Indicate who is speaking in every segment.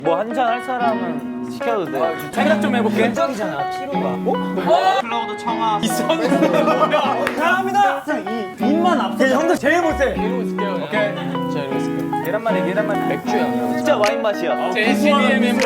Speaker 1: 뭐 한잔 할 사람은 시켜도 돼.
Speaker 2: 생각 좀 해볼게.
Speaker 3: 인정이잖아 피로가.
Speaker 1: 클라우드 청아.
Speaker 3: 감사합니다. 입만 앞서. 형들 제일 못해.
Speaker 2: 이러고 있을게요. 오케이. 자, 이러고 있을게요.
Speaker 1: 계란말이.
Speaker 2: 맥주야.
Speaker 1: 진짜 와인 맛이야.
Speaker 2: 제 SBM 멤버.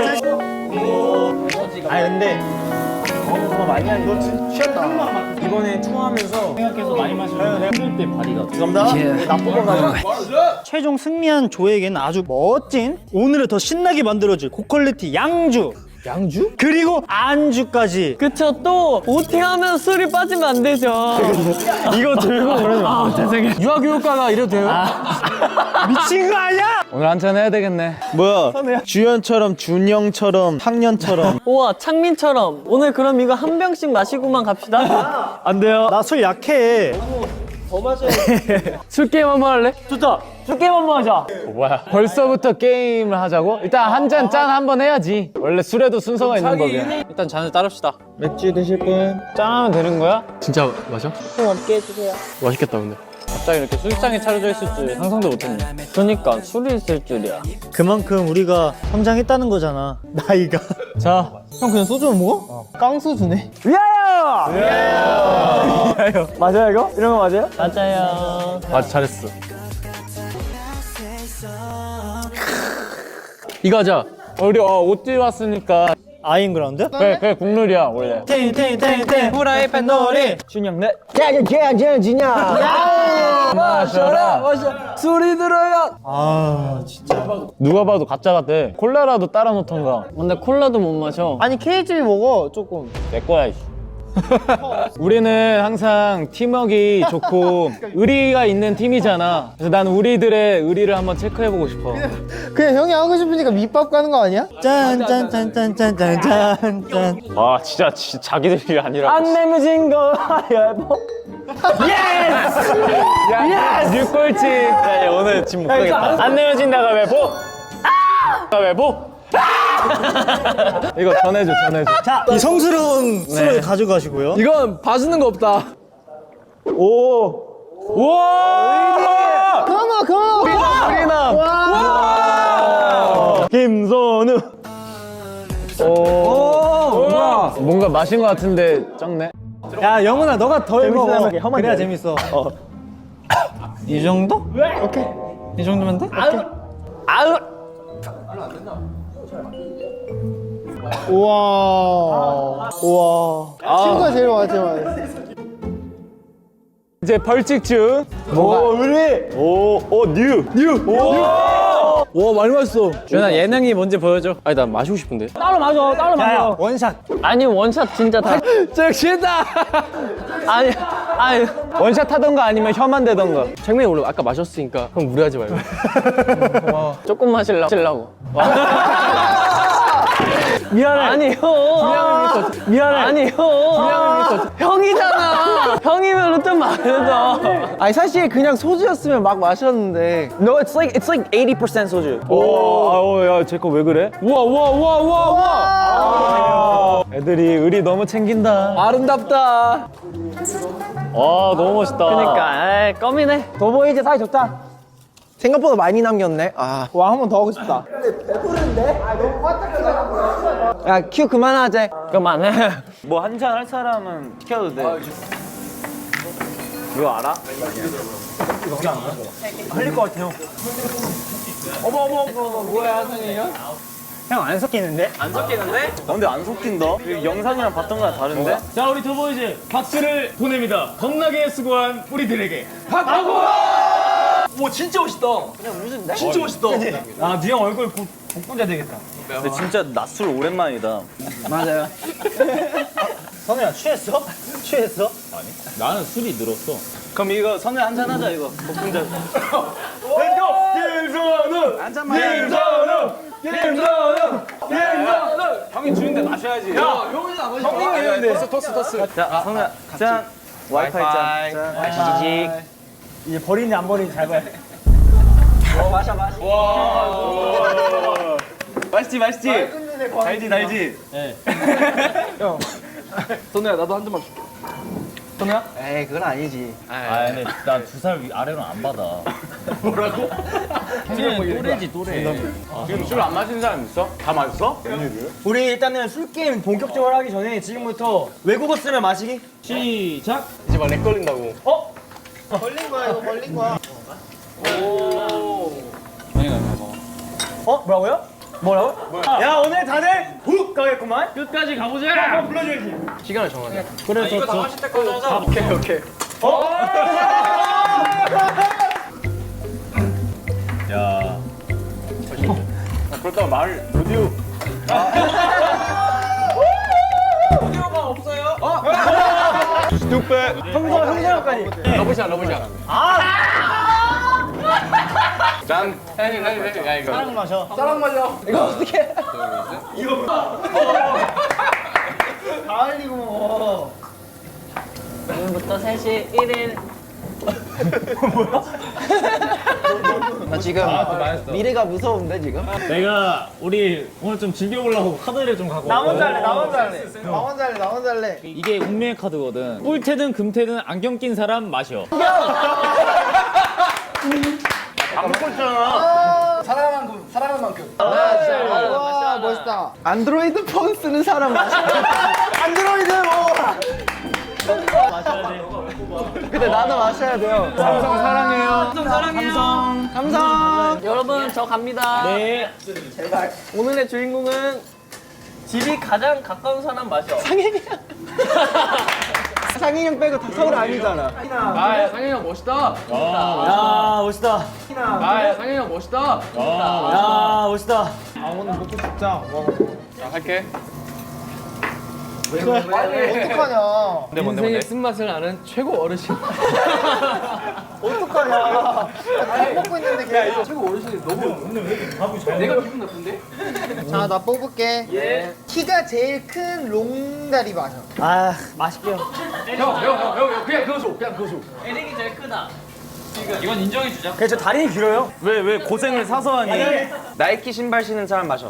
Speaker 3: 아니 근데
Speaker 1: 정말 많이 하니. 너
Speaker 3: 취했다. 이번에 투어하면서 생각해서 많이 마시면 힘들 때 발이가. 감사합니다. 나쁘고 가지고. 최종 승리한 조에게는 아주 멋진 오늘을 더 신나게 만들어줄 고퀄리티 양주. 양주? 그리고 안주까지.
Speaker 4: 그쵸, 또 오팅하면 술이 빠지면 안 되죠.
Speaker 3: 이거 들고 그러지 마.
Speaker 4: 죄송해요.
Speaker 2: 유아교육과가 이래도 돼요?
Speaker 3: 미친 거 아니야?
Speaker 2: 오늘 한잔 해야 되겠네.
Speaker 5: 뭐야? 주연처럼 준영처럼 학년처럼
Speaker 4: 우와, 창민처럼. 오늘 그럼 이거 한 병씩 마시고만 갑시다.
Speaker 3: 안 돼요. 나 술 약해.
Speaker 2: 술 게임 한번 할래?
Speaker 3: 좋다. 술 게임 한번 하자.
Speaker 2: 뭐야? 벌써부터 게임을 하자고? 일단 한 잔 짠 한번 해야지. 원래 술에도 순서가 있는 법이야.
Speaker 4: 일단 잔을 따릅시다.
Speaker 5: 맥주 드실 분?
Speaker 2: 짠하면 되는 거야? 진짜 마셔?
Speaker 4: 좀 없게 해주세요.
Speaker 2: 맛있겠다 근데.
Speaker 4: 갑자기 이렇게 술상이 차려져 있을 줄 상상도 못했네. 그러니까 술이 있을 줄이야.
Speaker 3: 그만큼 우리가 성장했다는 거잖아. 나이가.
Speaker 2: 자,
Speaker 3: 형 그냥 소주만 먹어? 깡소주네. 위하여! 맞아요 이거? 이런 거 맞아요?
Speaker 4: 맞아요.
Speaker 2: 맞아 잘했어. 이거 하자. 우리 옷 왔으니까
Speaker 3: 아인그라운드?
Speaker 2: 그래 국룰이야 원래.
Speaker 3: 탱탱탱탱 후라이팬 놀이. 준영 넷.
Speaker 2: 마셔라.
Speaker 4: 술이 들어요.
Speaker 3: 아 진짜.
Speaker 2: 누가 봐도 가짜 같아. 콜라라도 따라 놓던가.
Speaker 4: 근데 콜라도 못 마셔.
Speaker 3: 아니 KGB 먹어 조금.
Speaker 2: 내 거야 이씨. 우리는 항상 팀워크가 좋고 의리가 있는 팀이잖아. 그래서 난 우리들의 의리를 한번 체크해보고 싶어.
Speaker 3: 그냥 형이 하고 싶으니까 밑밥 가는 거 아니야? 짠짠짠짠짠짠짠.
Speaker 1: 아 진짜 자기들이 아니라.
Speaker 3: 안 내면 거 가위바위보.
Speaker 2: 뉴꼴찌.
Speaker 1: 야, 오늘 지금 못 가겠다.
Speaker 2: 안 내면 진다가 왜 보? 왜 보? 이거 전해줘.
Speaker 3: 자, 이 성스러운 술을 가져가시고요.
Speaker 2: 이건 봐주는 거 없다. 오. 우와.
Speaker 3: 그만.
Speaker 2: 우리남.
Speaker 3: 와. 김선우.
Speaker 2: 오. 뭔가 마신 거 같은데 적네.
Speaker 3: 야, 영훈아, 너가 더 먹어. 그래야 재밌어. 이 정도? 오케이. 이 정도면 돼? 오케이. 우와. 친구가 제일 많아, 제일 많아.
Speaker 2: 이제 벌칙주.
Speaker 5: 와 많이 맛있어.
Speaker 4: 준아 예능이 뭔지 보여줘.
Speaker 2: 아니 난 마시고 싶은데.
Speaker 4: 따로 마셔.
Speaker 3: 야, 원샷.
Speaker 4: 아니 원샷 진짜 다.
Speaker 2: 저 취했다.
Speaker 4: 아니.
Speaker 2: 원샷 하던가 아니면 혀만 대던가. 장면이 원래 아까 마셨으니까 형 무리하지 말고.
Speaker 4: 조금 마시려고.
Speaker 3: 미안해.
Speaker 4: 아니 형.
Speaker 3: 미안해.
Speaker 4: 아니 형. 형이잖아. 형이면 좀 마셔.
Speaker 5: 아니 사실 그냥 소주였으면 막 마셨는데. No, it's like 80% 소주.
Speaker 2: 야제 거 왜 그래? 우와. 애들이 의리 너무 챙긴다.
Speaker 5: 아름답다.
Speaker 2: 너무 멋있다.
Speaker 4: 그러니까 껌이네.
Speaker 5: 도보이즈 사이 좋다. 생각보다 많이 남겼네. 와, 한 번 더 하고 싶다. 근데 배부른데? 너무 화딱지가. 야, 큐 그만하자.
Speaker 4: 그만해.
Speaker 1: 뭐 한잔 할 사람은 시켜도 돼. 이거 알아?
Speaker 3: 흘릴 것 같아, 형. 어머, 뭐야, 선생님? 형 안 섞이는데?
Speaker 1: 근데 안 섞인다. 이거 영상이랑 봤던 거랑 다른데?
Speaker 6: 자 우리 두보이즈 박수를 보냅니다. 겁나게 수고한 우리들에게
Speaker 3: 오, 진짜 멋있다. 그냥 무슨 진짜 멋있다. 아, 니 형 얼굴 복분자 되겠다.
Speaker 1: 근데 진짜 낮술 오랜만이다.
Speaker 3: 맞아요. 선우야, 취했어? 취했어?
Speaker 6: 나는 술이 늘었어.
Speaker 1: 그럼 이거 선우 한잔 하자 이거. 복분자.
Speaker 2: 형이 주는데 마셔야지.
Speaker 1: 형님이 했는데. 토스. 자, 선우야 짠. 와이파이 짠.
Speaker 3: 아시지? 이제 버리는지 안 버리는지 잘 봐야 돼.
Speaker 1: 맛있지? 달지?
Speaker 2: 선우야 나도 한 잔만 줄게.
Speaker 5: 에이, 그건 아니지.
Speaker 6: 아 근데 나 2살 아래로는 안 받아.
Speaker 4: 또래지 또래.
Speaker 1: 지금 술 안 마시는 사람 있어? 다 마셨어?
Speaker 3: 우리 일단은 술 게임 본격적으로 하기 전에 지금부터 외국어 쓰면 마시기.
Speaker 4: 시작.
Speaker 1: 이제 막 렉 걸린다고.
Speaker 3: 걸린 거야 이거 걸린 거야.
Speaker 4: 아니가 먹어.
Speaker 3: 뭐라고요? 뭐라고? 야 오늘 다들 훅 가겠구만.
Speaker 4: 끝까지 가보자.
Speaker 3: 한번 불러줘야지.
Speaker 1: 시간을 정하자.
Speaker 3: 그래
Speaker 4: 이거 다 마실 때까지 하자.
Speaker 1: 오케이.
Speaker 4: 야.
Speaker 1: 그렇다고 말을 로디오.
Speaker 4: 오디오가 없어요.
Speaker 3: 형사까지.
Speaker 1: 러브샷. 짠. 야 이거.
Speaker 3: 사랑 마셔.
Speaker 5: 이거 어떻게?
Speaker 3: 다 흘리고 먹어.
Speaker 4: 오늘부터 3시 1일.
Speaker 5: 나 지금 미래가 무서운데 지금?
Speaker 4: 내가 우리 오늘 좀 즐겨보려고 카드를 좀 갖고.
Speaker 3: 나 혼자 할래.
Speaker 5: 나 혼자 할래.
Speaker 4: 이게 운명의 카드거든. 꿀테든 금테든 안경 낀 사람 마셔.
Speaker 1: 안 먹고 있잖아.
Speaker 5: 와 멋있다. 안드로이드 폰 쓰는 사람 마셔. 안드로이드 뭐?
Speaker 4: 마셔야 돼.
Speaker 5: 근데 나도 마셔야 돼요.
Speaker 1: 삼성 사랑해요.
Speaker 5: 감성.
Speaker 7: 여러분 저 갑니다.
Speaker 4: 네.
Speaker 7: 오늘의 주인공은 집이 가장 가까운 사람 마셔.
Speaker 5: 상인이 형 빼고 다 서울 아니잖아.
Speaker 1: 아 상현이 형 멋있다.
Speaker 3: 야 멋있다.
Speaker 1: 아 상현이 형 멋있다.
Speaker 3: 야 멋있다.
Speaker 1: 자 할게.
Speaker 7: 인생의 쓴맛을 아는 최고 어르신.
Speaker 8: 자, 나 뽑을게. 키가 제일 큰 롱다리 마셔.
Speaker 3: 아 맛있게요.
Speaker 1: 형 그냥 그거 줘.
Speaker 7: 에릭이 제일 크다.
Speaker 4: 이건 인정해주자.
Speaker 3: 그래 저 다리는 길어요. 왜 고생을 사서 하니?
Speaker 5: 나이키 신발 신는 사람 마셔.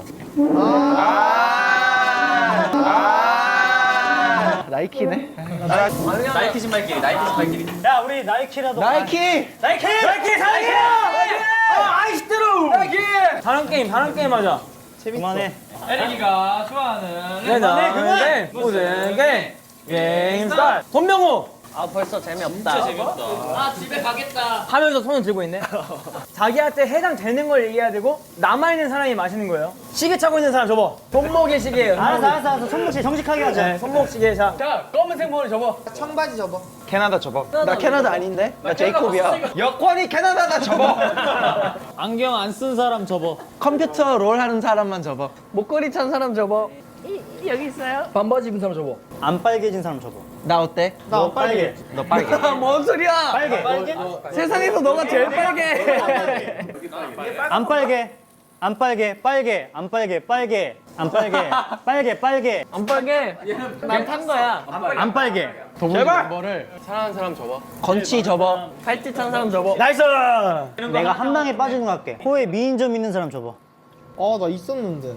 Speaker 5: 나이키네.
Speaker 7: 나이키 신발끼리.
Speaker 3: 야 우리 나이키라도.
Speaker 5: 나이키.
Speaker 3: 나이키 사랑해요. 아이스트로. 나이키. 다른 게임 하자. 재밌어. 그만해.
Speaker 4: 에릭이가 좋아하는.
Speaker 3: 그만해. 무슨 게임 스타트. 손명호.
Speaker 7: 아 벌써 재미없다. 아 집에 가겠다.
Speaker 3: 하면서 손을 들고 있네. 자기한테 해당되는 걸 얘기해야 되고 남아있는 사람이 마시는 거예요. 시계 차고 있는 사람 접어. 손목의 시계예요. 알았어. 손목 시계 정직하게 하자. 네, 손목 시계. 자 검은색 머리 접어.
Speaker 8: 청바지 접어.
Speaker 5: 캐나다 접어. 나 캐나다 아닌데? 나 제이콥이야. 여권이 캐나다다 접어.
Speaker 4: 안경 안 쓴 사람 접어.
Speaker 5: 컴퓨터 롤 하는 사람만 접어.
Speaker 7: 목걸이 찬 사람 접어. 여기 있어요. 반바지 입은 사람 접어.
Speaker 3: 안 빨개진 사람 접어.
Speaker 5: 나 어때?
Speaker 3: 너 빨개.
Speaker 5: 너 빨개.
Speaker 7: 뭔 소리야?
Speaker 3: 빨개.
Speaker 7: 세상에서 너가 제일 빨개.
Speaker 3: 안 빨개. 안 빨개. 빨개. 안 빨개. 빨개. 안 빨개. 빨개.
Speaker 7: 안 빨개. 난 탄 거야.
Speaker 3: 안 빨개.
Speaker 5: 제발.
Speaker 1: 사랑하는 사람 접어.
Speaker 5: 건치 접어.
Speaker 7: 팔찌 찬 사람 접어.
Speaker 3: 나이스. 내가 한 방에 빠지는 거 할게. 코에 미인점 있는 사람 접어.
Speaker 8: 나 있었는데.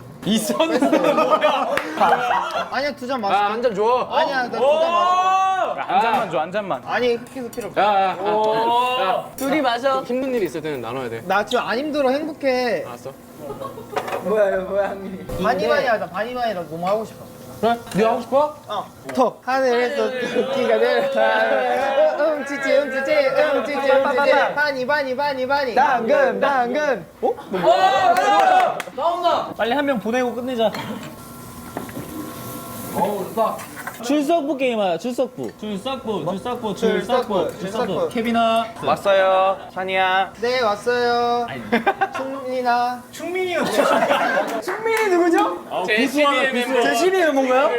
Speaker 8: 아니야, 두 잔 마셔.
Speaker 1: 한 잔 줘.
Speaker 8: 아니야, 나 두 잔 마셔.
Speaker 1: 한 잔만 줘. 한 잔만.
Speaker 8: 아니, 그렇게 해서 필요 없어.
Speaker 1: 야.
Speaker 7: 둘이 마셔.
Speaker 1: 힘든 일이 있을 때는 나눠야 돼.
Speaker 8: 나 지금 안 힘들어, 행복해.
Speaker 1: 알았어.
Speaker 8: 바니바니 하자, 바니바니 나 너무 하고 싶어.
Speaker 1: 네 하고 싶어?
Speaker 8: 톡 하늘에서 토끼가 내려 음치치 바니
Speaker 5: 당근. 어?
Speaker 3: 빨리 한 명 보내고 끝내자. 출석부 게임 하자. 출석부. 케빈아.
Speaker 5: 왔어요. 산이야.
Speaker 8: 네 왔어요 충민아
Speaker 3: 충민이요.
Speaker 7: 충민이 누구죠?
Speaker 1: 제
Speaker 3: 12는 뭔가요?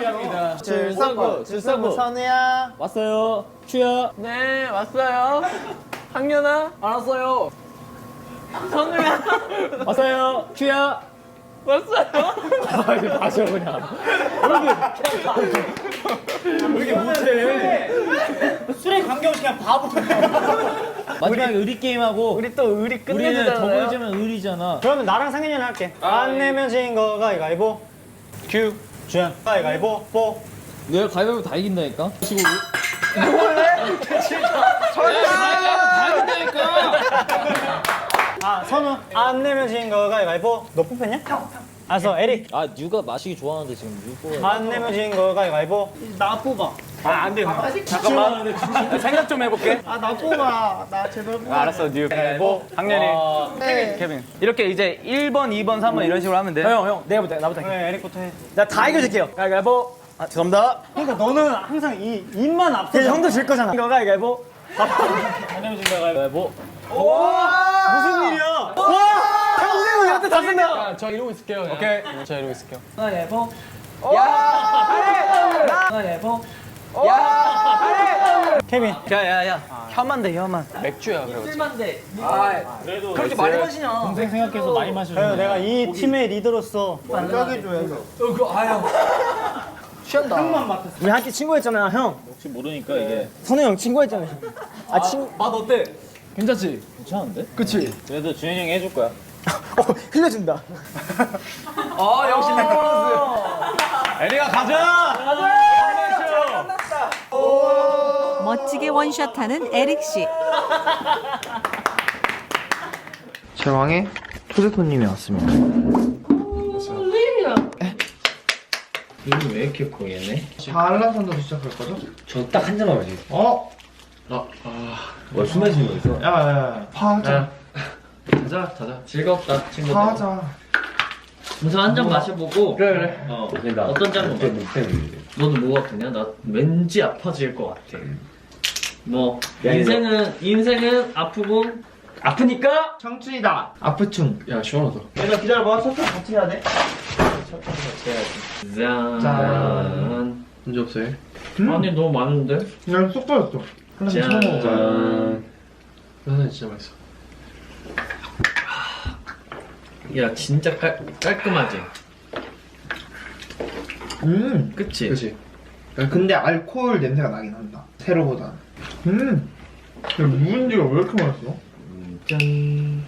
Speaker 8: 출석부 선우야
Speaker 3: 왔어요. 추야.
Speaker 7: 네 왔어요. 학년아 알았어요. 선우야
Speaker 3: 왔어요. 추야.
Speaker 7: 왔어요.
Speaker 3: 마셔 그냥. 술에 관계없이 그냥 바보. 마지막에 의리 게임하고
Speaker 7: 우리 또 의리
Speaker 3: 우리는
Speaker 7: 끝내주잖아요.
Speaker 3: 더블 지면 의리잖아. 그러면 나랑 상현이랑 할게. 안 내면 진 거 가위가위보.
Speaker 1: 큐.
Speaker 3: 주연 가위가위보. 뽀.
Speaker 4: 내가 가위바위보 다 이긴다니까.
Speaker 3: 선우 안 내면 진 거 가위바위보. 너 뽑혔냐? 형. 알았어 에릭.
Speaker 4: 아 뉴가 마시기 좋아하는데 지금 뉴가
Speaker 3: 안 내면 진 거 가위바위보. 나 뽑아.
Speaker 6: 안 돼. 잠깐만. 생각 좀 해볼게.
Speaker 8: 나 뽑아. 나 제발 뽑아.
Speaker 1: 알았어, 뉴. 뭐 학년이. 케빈. 이렇게 이제 1번, 2번, 3번 이런 식으로 하면 돼.
Speaker 6: 형, 내가부터 나부터.
Speaker 3: 그래 에릭부터 해.
Speaker 6: 나 다 이겨줄게요. 가위바위보. 아, 죄송합니다.
Speaker 3: 그러니까 너는 항상 이 입만 앞서.
Speaker 6: 형도 질 거잖아. 이거 가위바위보.
Speaker 3: 안 내면 진 거 가위바위보.
Speaker 6: 무슨 일이야? 와! 평생 우리한테 다 쓴다.
Speaker 2: 저 이러고 있을게요.
Speaker 6: 오케이.
Speaker 2: 저 이러고 있을게요.
Speaker 1: 가위바위보. 가위바위보.
Speaker 3: 케빈.
Speaker 1: 야야야. 혀만 돼, 혀만.
Speaker 2: 맥주야 그래.
Speaker 1: 그렇게 많이 마시냐?
Speaker 3: 동생 생각해서 많이 마셔. 그래 내가 이 팀의 리더로서
Speaker 1: 취한다.
Speaker 6: 우리 한끼 친구였잖아, 형.
Speaker 4: 혹시 모르니까 이게
Speaker 6: 선우 형 친구였잖아. 아,
Speaker 2: 맛 어때? 괜찮지?
Speaker 4: 괜찮은데?
Speaker 6: 그치?
Speaker 4: 그래도 준현이 형이 해줄 거야.
Speaker 6: 흘려준다.
Speaker 1: 역시 넥커스.
Speaker 6: 에리가 가자!
Speaker 9: 멋지게 원샷하는 에릭 씨.
Speaker 5: 제왕의 초대 손님이 왔습니다.
Speaker 4: 눈이 왜 이렇게 커 얘네?
Speaker 8: 한라산도 시작할 거죠?
Speaker 4: 저 딱 한 잔만 마시. 술 마시는 거 있어?
Speaker 8: 야야야. 파하자.
Speaker 4: 자자. 즐겁다 친구들.
Speaker 8: 파하자.
Speaker 4: 우선 한 잔 마셔보고.
Speaker 8: 그래.
Speaker 4: 어떤 잔 먹어? 너는 뭐 같으냐? 나 왠지 아파질 것 같아. 뭐 인생은 아프고 아프니까
Speaker 8: 청춘이다. 아프충.
Speaker 2: 야 시원하다.
Speaker 8: 얘들아 기다려봐. 첫째 같이 해야 돼.
Speaker 4: 짠.
Speaker 2: 문제 없어요.
Speaker 4: 아니 너무 많은데?
Speaker 8: 그냥 쏙 빠졌어.
Speaker 4: 짠.
Speaker 2: 하나 진짜 맛있어.
Speaker 4: 야 진짜 깔끔하지? 그치?
Speaker 2: 그렇지.
Speaker 8: 근데 알코올 냄새가 나긴 한다. 세로보다. 야, 묵은지가 왜 이렇게 맛있어?
Speaker 4: 짠.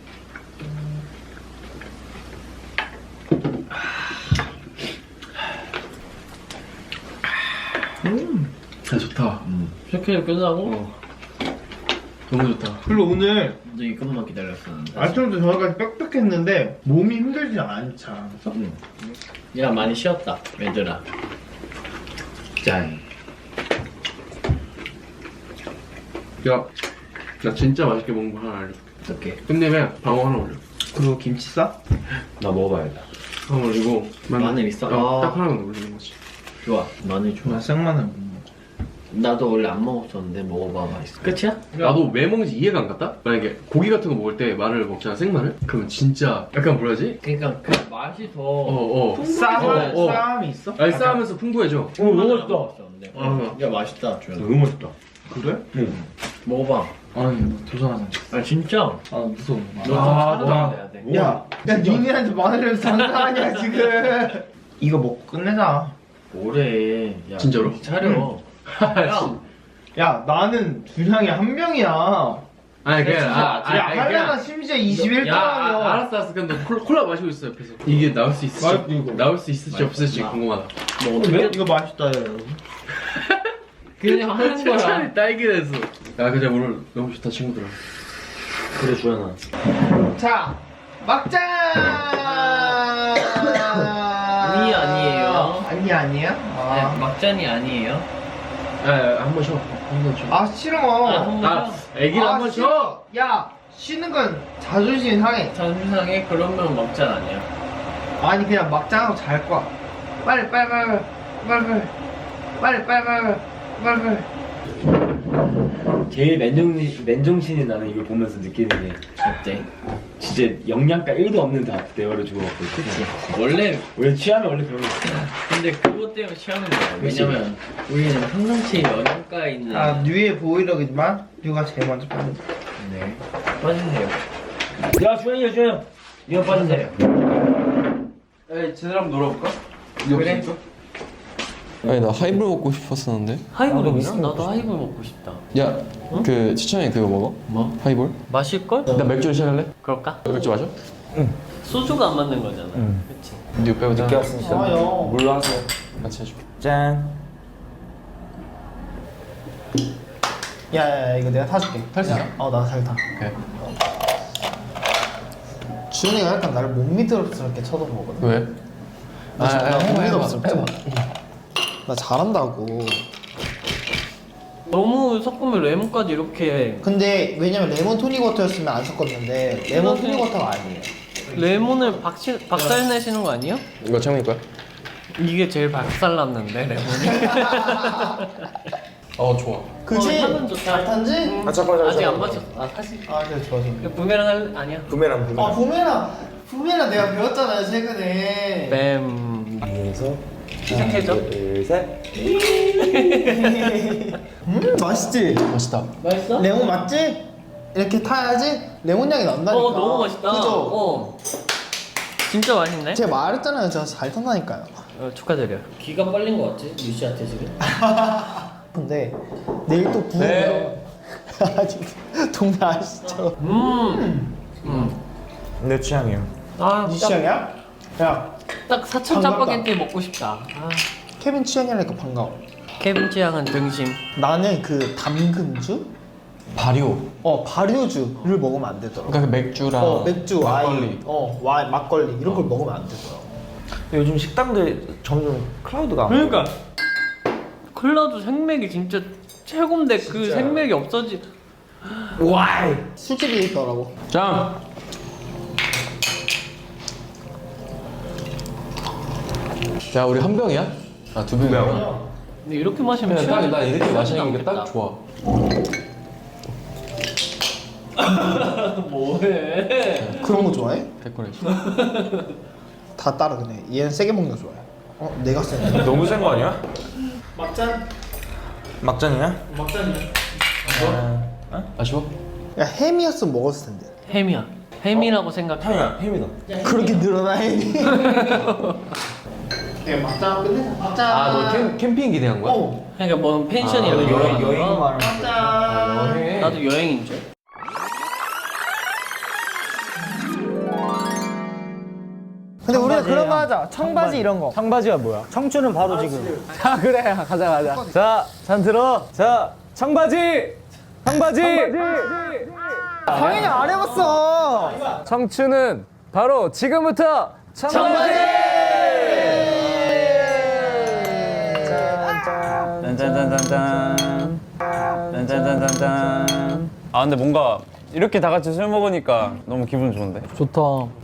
Speaker 2: 야 좋다.
Speaker 4: 이렇게 끝나고
Speaker 2: 너무 좋다.
Speaker 8: 그리고 오늘
Speaker 4: 너 이것만 기다렸었는데.
Speaker 8: 아침부터 저녁까지 빽빽했는데 몸이 힘들지 않지 않았어?
Speaker 4: 야 많이 쉬었다 얘들아. 짠.
Speaker 2: 야, 나 진짜 맛있게 먹는 거 하나 알려.
Speaker 4: 어떡해?
Speaker 2: 끝내면 방어 하나 올려.
Speaker 8: 그리고 김치 싸?
Speaker 4: 나 먹어봐야겠다.
Speaker 2: 방어 올리고
Speaker 4: 마늘 있어?
Speaker 2: 딱 하나만 올리는 거지.
Speaker 4: 좋아. 마늘 좋아.
Speaker 8: 나 생마늘 못 먹어.
Speaker 4: 나도 원래 안 먹었었는데 먹어봐 맛있어. 끝이야?
Speaker 2: 나도 왜 먹는지 이해가 안 갔다? 만약에 고기 같은 거 먹을 때 마늘을 먹잖아, 생마늘? 그러면 진짜 약간 뭐라 하지?
Speaker 4: 그러니까 그 맛이 더
Speaker 2: 어.
Speaker 8: 싸움이 있어?
Speaker 2: 알싸하면서 풍부해져.
Speaker 4: 너무
Speaker 2: 아,
Speaker 4: 야 맛있다 주현.
Speaker 2: 너무 맛있다.
Speaker 8: 그래?
Speaker 4: 먹어봐.
Speaker 8: 아니 너 도전하자.
Speaker 4: 아 진짜?
Speaker 8: 아 무서워.
Speaker 4: 너 좀 차려야 돼.
Speaker 8: 야 니네한테 마늘을 장사하냐 지금? 이거 먹고 끝내자.
Speaker 4: 뭐래? 야,
Speaker 2: 진짜로?
Speaker 4: 정신 차려.
Speaker 8: 야 나는 준양이 한 명이야.
Speaker 2: 아니 그냥
Speaker 8: 야 할래가 심지어 21도라며.
Speaker 2: 알았어. 그냥 너 콜라 마시고 있어 옆에서. 이게 나올 수 있을지
Speaker 8: 맛있지, 이거.
Speaker 2: 나올 수 있을지 없을지 궁금하다.
Speaker 4: 뭐 어떻게?
Speaker 8: 이거 맛있다 야.
Speaker 4: 그냥 하는 거야.
Speaker 2: 차라리 딸기 됐어. 야 근데 오늘 너무 좋다 친구들아.
Speaker 4: 그래 주현아.
Speaker 8: 자 막장.
Speaker 4: 아니 아니에요.
Speaker 8: 아니야?
Speaker 4: 네, 막잔이 아니에요.
Speaker 2: 한번 쉬어. 한번 쉬어.
Speaker 8: 아 싫어.
Speaker 2: 아 애기를 한번 쉬어.
Speaker 8: 싫어. 야 쉬는 건 자존심 상해.
Speaker 4: 전상에 그러면 막잔 아니야.
Speaker 8: 아니 그냥 막장하고 잘 거야. 빨리.
Speaker 10: 제일 맨정신이 나는 이걸 보면서 느끼는 게
Speaker 4: 어때?
Speaker 10: 진짜 영양가 1도 없는 대화를 주고받고
Speaker 4: 그치. 원래
Speaker 10: 취하면 원래 그런 거 있어.
Speaker 4: 근데 그것 때문에 취하는 거야. 왜냐면 우리는 평상시에 영양가 있는.
Speaker 8: 아 뉴의 보이럭이지만 뉴가 제일 먼저 빠진.
Speaker 4: 네. 빠지세요.
Speaker 10: 야 주현이 이거 빠진대요.
Speaker 2: 에이 제대로 한번 놀아볼까?
Speaker 4: 그래?
Speaker 11: 아니 나 하이볼 먹고 싶었었는데.
Speaker 4: 하이볼 있어? 나도 하이볼 먹고 싶다.
Speaker 11: 야, 그 추천해 그거 먹어?
Speaker 4: 뭐?
Speaker 11: 하이볼?
Speaker 4: 마실걸?
Speaker 11: 나 맥주를 시작할래?
Speaker 4: 그럴까?
Speaker 11: 맥주 마셔?
Speaker 4: 소주가 안 맞는 거잖아. 그치?
Speaker 11: 니 빼보자. 늦게 왔으니까.
Speaker 5: 물로 하세요.
Speaker 11: 같이 해줄게.
Speaker 1: 짠.
Speaker 8: 야 이거 내가 타줄게.
Speaker 11: 탈 수 있어?
Speaker 8: 나 잘 타.
Speaker 11: 오케이.
Speaker 8: 지훈이가 약간 나를 못 믿음스럽게 쳐다보거든.
Speaker 11: 왜?
Speaker 8: 못 믿음스럽지. 나 잘한다고.
Speaker 4: 너무 섞으면 레몬까지 이렇게.
Speaker 8: 근데 왜냐면 레몬 토닉워터였으면 안 섞었는데 레몬 토닉워터가 아니에요.
Speaker 4: 레몬을 박살 내시는 거 아니에요?
Speaker 11: 이거 창민이 거야?
Speaker 4: 이게 제일 박살 났는데 레몬이.
Speaker 11: 좋아.
Speaker 8: 그치?
Speaker 4: 향은 좋다.
Speaker 8: 잘 탄지?
Speaker 4: 아직 안 마셨어. 아 사실.
Speaker 8: 아 그래 좋아 좋아.
Speaker 4: 부메랑 아니야?
Speaker 8: 아 부메랑 내가 배웠잖아요 최근에.
Speaker 4: 뱀.
Speaker 5: 위에서
Speaker 4: 시작해줘.
Speaker 5: 둘, 셋.
Speaker 8: 맛있지?
Speaker 11: 맛있다.
Speaker 4: 맛있어?
Speaker 8: 레몬 맞지? 이렇게 타야지 레몬 향이 난다니까.
Speaker 4: 너무 맛있다.
Speaker 8: 그죠?
Speaker 4: 진짜 맛있네.
Speaker 8: 제가 말했잖아요 제가 잘 탄다니까요.
Speaker 4: 축하드려. 귀가 빨린 거 같지? 유씨한테 지금.
Speaker 8: 근데 내일 또 부으면
Speaker 11: 네.
Speaker 8: 동네 아시죠?
Speaker 5: 내 취향이에요.
Speaker 4: 아,
Speaker 8: 네 취향이야? 야
Speaker 4: 딱 사천
Speaker 8: 반갑다.
Speaker 4: 짜파게티 먹고 싶다. 아.
Speaker 8: 케빈 취향이라니까 반가워.
Speaker 4: 케빈 취향은 등심.
Speaker 8: 나는 그 담금주?
Speaker 11: 발효.
Speaker 8: 발효주를 먹으면 안 되더라고.
Speaker 11: 그러니까 그 맥주랑
Speaker 8: 맥주,
Speaker 11: 막걸리.
Speaker 8: 와인, 막걸리 이런 걸 먹으면 안 되더라고.
Speaker 5: 요즘 식당들 점점 클라우드가
Speaker 4: 그러니까 클라우드 생맥이 진짜 최고인데 그 생맥이 없어지.
Speaker 8: 술집이 있더라고.
Speaker 11: 짱. 자, 우리 한 병이야? 아, 두 병이야?
Speaker 4: 근데 이렇게 마시면
Speaker 11: 딱,
Speaker 4: 취향이
Speaker 11: 나 이렇게 마시는 게 딱
Speaker 4: 나오겠다.
Speaker 11: 좋아.
Speaker 4: 뭐해?
Speaker 8: 그런 거 좋아해?
Speaker 11: 데코레이션.
Speaker 8: 다 따라 그네. 얘는 세게 먹는 거 좋아해. 내가 세네.
Speaker 5: 너무 센 거 아니야?
Speaker 8: 막잔.
Speaker 5: 막잔이야?
Speaker 11: 아쉬워?
Speaker 8: 야 햄이었으면 먹었을 텐데.
Speaker 4: 햄이야. 햄이라고 생각해.
Speaker 5: 햄이다.
Speaker 8: 그렇게 늘어나 햄이. 야 막잔 끝내. 막잔.
Speaker 11: 아, 너 캠핑 기대한 거야?
Speaker 4: 그러니까 뭐 펜션이라고
Speaker 5: 여행 말하는
Speaker 8: 막잔.
Speaker 4: 나도 여행인 줄.
Speaker 5: 근데 우리가 그런 거 하자. 청바지 이런 거.
Speaker 3: 청바지가 뭐야? 청춘은 바로 지금.
Speaker 5: 자 그래 가자. 자, 잔 들어. 자, 청바지. 당연히 안 해봤어. 청춘은 바로 지금부터 청바지. 짠짠짠짠짠. 짠짠짠짠짠.
Speaker 2: 아 근데 뭔가 이렇게 다 같이 술 먹으니까 너무 기분 좋은데?
Speaker 3: 좋다.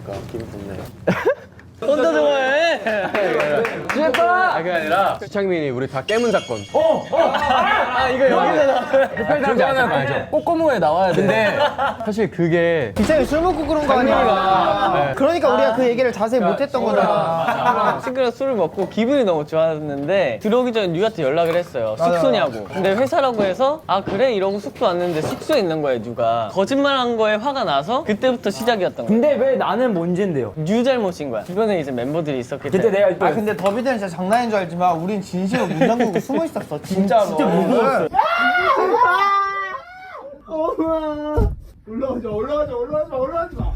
Speaker 4: 혼자 좋아해.
Speaker 5: 취했다.
Speaker 2: 그게 아니라 수창민이 우리 다 깨문 사건.
Speaker 5: 이거 여기다.
Speaker 2: 그런지 알죠? 꼬꼬무에 나와야 돼. 근데 사실 그게
Speaker 5: 이창이 술 먹고 그런 거 아니야. 그러니까 우리가 그 얘기를 자세히 못했던 거잖아.
Speaker 1: 친구랑 술을 먹고 기분이 너무 좋았는데 들어오기 전에 뉴한테 연락을 했어요. 숙소냐고. 근데 회사라고 해서 아 그래 이러고 숙소 왔는데 숙소에 있는 거예요 뉴가. 거짓말한 거에 화가 나서 그때부터 시작이었던 거예요.
Speaker 3: 근데 왜 나는 뭔진데요?
Speaker 1: 뉴 잘못인 거야. 주변에 이제 멤버들이 있었기
Speaker 3: 그때
Speaker 1: 때문에.
Speaker 3: 내가
Speaker 5: 근데 더비들은 진짜 장난인 줄 알지만 우린 진심으로 문 잠그고 숨어 있었어. 진짜로. 진짜 무서웠어. 올라가지 마.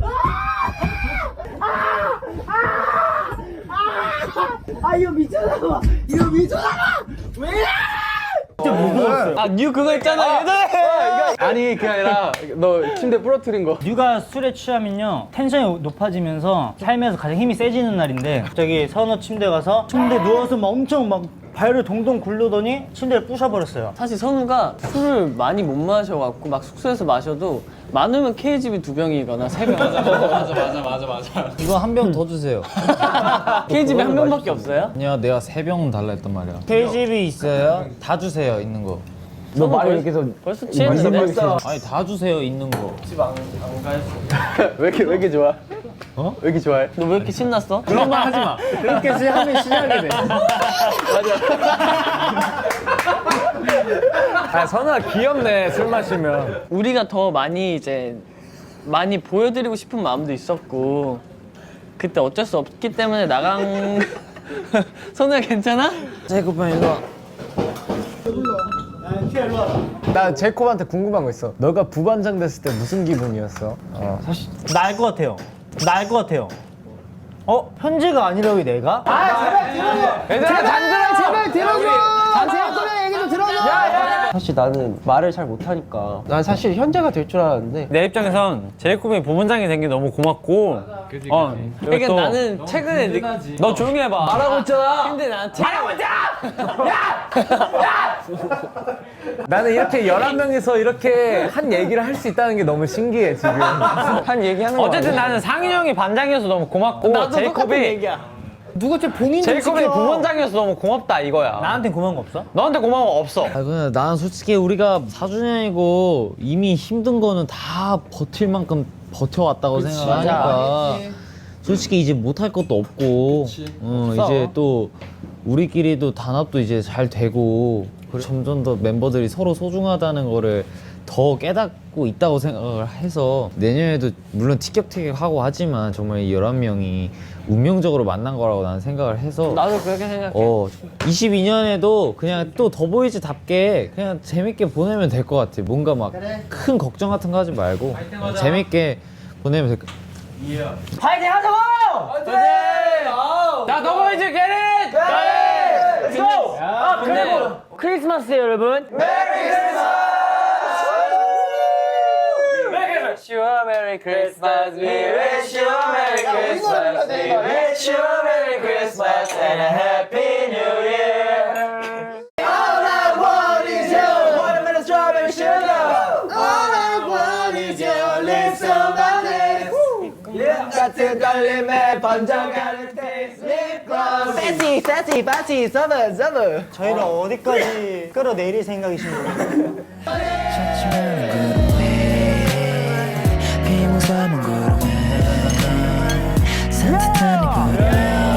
Speaker 5: 이거 미쳤나봐. 왜 이래?
Speaker 1: 아 뉴 그거 있잖아 예전에.
Speaker 2: 아니 그게 아니라 너 침대 부러뜨린 거.
Speaker 3: 뉴가 술에 취하면요 텐션이 높아지면서 살면서 가장 힘이 세지는 날인데 갑자기 선호 침대 가서 침대 누워서 막 엄청 막 발을 동동 굴르더니 침대를 부셔버렸어요.
Speaker 1: 사실 선우가 술을 많이 못 마셔갖고 막 숙소에서 마셔도 많으면 KGB 2병이거나 3병. 맞아.
Speaker 11: 이거 한 병 더 주세요.
Speaker 1: KGB 한 병밖에 없어요?
Speaker 11: 아니야, 내가 3병 달라 했단 말이야.
Speaker 3: KGB 있어요?
Speaker 11: 다 주세요, 있는 거.
Speaker 3: 너 말이 이렇게 해서
Speaker 1: 벌써 취했는데?
Speaker 11: 아니, 다 주세요, 있는 거.
Speaker 1: 왜 이렇게 좋아? 왜 이렇게 좋아해? 너 왜 이렇게 신났어?
Speaker 3: 그런 말 하지 마. 그렇게 하면 시작이 돼.
Speaker 2: 아 선우가 귀엽네 술 마시면.
Speaker 1: 우리가 더 많이 이제 많이 보여드리고 싶은 마음도 있었고 그때 어쩔 수 없기 때문에 나간. 선우야 괜찮아?
Speaker 5: 제이콥 형 일로 와. 나 제이콥한테 궁금한 거 있어. 너가 부반장 됐을 때 무슨 기분이었어?
Speaker 3: 나 알 것 같아요. 현재가 아니라고 내가?
Speaker 5: 제발 들어줘. 제발 들어줘. 제이콥 형 얘기 좀 들어줘. 사실 나는 말을 잘 못하니까 난 사실 현재가 될 줄 알았는데
Speaker 2: 내 입장에선 제이콥이 부문장이 된 게 너무 고맙고
Speaker 1: 그러니까 나는 최근에
Speaker 2: 너 조용히 해봐.
Speaker 1: 말하고 있잖아. 근데 난 말하고
Speaker 11: 나는 이렇게 11명이서 이렇게 한 얘기를 할 수 있다는 게 너무 신기해 지금.
Speaker 5: 한 얘기하는 거
Speaker 2: 어쨌든 나는 상윤 형이 반장이어서 너무 고맙고
Speaker 1: 나도 똑같은
Speaker 2: 제이콥이
Speaker 1: 얘기야.
Speaker 5: 누가 제 봉인
Speaker 2: 제이콥이 부문장이어서 너무 고맙다 이거야.
Speaker 3: 나한텐 고마운 거 없어?
Speaker 2: 너한테 고마운 거 없어.
Speaker 12: 그냥 난 솔직히 우리가 4주년이고 이미 힘든 거는 다 버틸 만큼 버텨왔다고 생각하니까 솔직히 이제 못할 것도 없고 이제 또 우리끼리도 단합도 이제 잘 되고 점점 더 멤버들이 서로 소중하다는 거를 더 깨닫고 있다고 생각을 해서 내년에도 물론 티격태격하고 하지만 정말 이 11명이 운명적으로 만난 거라고 나는 생각을 해서
Speaker 1: 나도 그렇게 생각해.
Speaker 12: 22년에도 그냥 또 더보이즈답게 그냥 재밌게 보내면 될 것 같아. 뭔가 막 큰 걱정 같은 거 하지 말고 재밌게 보내면 될 것 같아.
Speaker 3: 파이팅 하자고!
Speaker 2: 자, 더보이즈 게릿!
Speaker 3: Let's go! 그리고 크리스마스 여러분.
Speaker 1: Wish you a Merry Christmas. We wish you a Merry Christmas. We wish you a Merry Christmas and a Happy New Year. All I want is your watermelon strawberry sugar. All I want is your lips on my lips. 같은 떨림에 번져가는 taste lip gloss. Fancy, fancy, fancy, summer, summer.
Speaker 3: 저희를 어디까지 끌어내릴 생각이신 거예요?
Speaker 13: 비몽사몽 구름에 산뜻한 이 구름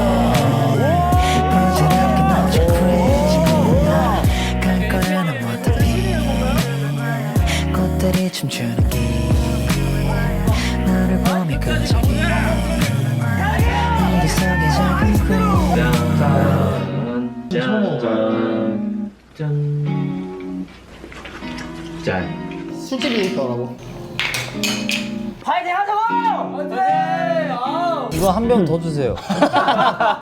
Speaker 13: 부질없게 넘쳐 프리즈구나 갈 거야 넌 어차피 꽃들이 춤추는 길 너를 보며 그저기 이리 속에 작은
Speaker 4: 짠.
Speaker 5: 술집이 있더라고.
Speaker 3: 파이팅 하자고!
Speaker 12: 이거 한 병 더 주세요.